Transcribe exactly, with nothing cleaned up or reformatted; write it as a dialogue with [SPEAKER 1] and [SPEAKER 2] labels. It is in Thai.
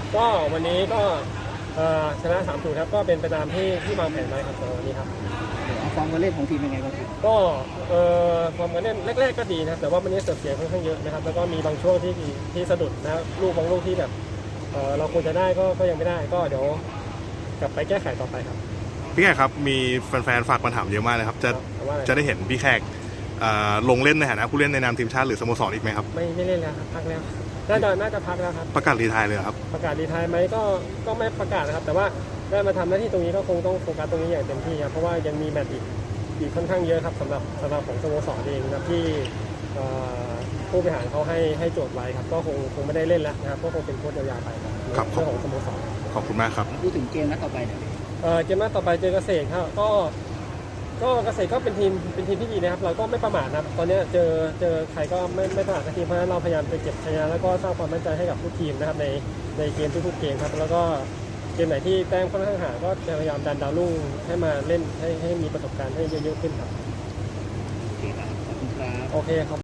[SPEAKER 1] ก็วันนี้ก็ชนะสามศูนย์ครับก็เป็นไปตามที่ที่วางแผนไว้ครับสำหรับวันนี้ครับ
[SPEAKER 2] เอาฟอร์มการเล่นของทีมเป็นไงบ้างครับ
[SPEAKER 1] ก็เอ่อความการเล่นแรกๆก็ดีนะครับแต่ว่าวันนี้เสิร์ฟเสียค่อนข้างเยอะนะครับแล้วก็มีบางช่วงที่ที่สะดุดนะลูกบางลูกที่แบบเอ่อเราควรจะได้ก็ก็ยังไม่ได้ก็เดี๋ยวกลับไปแก้ไขต่อไปครับ
[SPEAKER 3] พี่แขกครับมีแฟนๆฝากมาถามเยอะมากเลยครับจะ
[SPEAKER 1] ว่า
[SPEAKER 3] จะได้เห็นพี่แขกลงเล่นในฐานะผู้เล่นในนามทีมชาติหรือสโมสรอีกไหมครับ
[SPEAKER 1] ไม่ไม่เล่นแล้วครับพักแล้วน่าจะน่าจะพักแล้วครับ
[SPEAKER 3] ประกาศรีไทร์เลยครับ
[SPEAKER 1] ประกาศรีไทร์ไหมก็ก็ไม่ประกาศนะครับแต่ว่าได้มาทำหน้าที่ตรงนี้ก็คงต้องโฟกัสตรงนี้อย่างเต็มที่ครับเพราะว่ายังมีแมตช์อีกอีกค่อนข้างเยอะครับสำหรับสำหรับของสโมสรเองนะครับที่ผู้บริหารเขาให้ให้โจทย์ไว้ครับก็คงคงไม่ได้เล่นแล้วนะครับก็คงเป็นโค้ชยาวๆไปครับเรื่องของสโมสร
[SPEAKER 3] ขอบคุณมากครับ
[SPEAKER 2] พูดถึงเกมนัดต่อไปเนี่ย
[SPEAKER 1] เกมนัดต่อไปเจอเกษตรครับก็ก็เกษตรก็เป็นทีมเป็นทีมที่ดีนะครับเราก็ไม่ประมาทนะครับตอนนี้เจอเจอใครก็ไม่ไม่ประมาททีมเพราะฉะนั้นเราพยายามไปเก็บชัยชนะแล้วก็สร้างความมั่นใจให้กับทุกทีมนะครับในในเกมทุกๆเกมครับแล้วก็เกมไหนที่แต้มค่อนข้างห่างก็จะพยายามดันดาวรุ่งให้มาเล่นให้ให้มีประสบการณ์ให้เยอะๆขึ้นครับ
[SPEAKER 2] โอเคครับขอบคุณครับ
[SPEAKER 1] โอเคครับ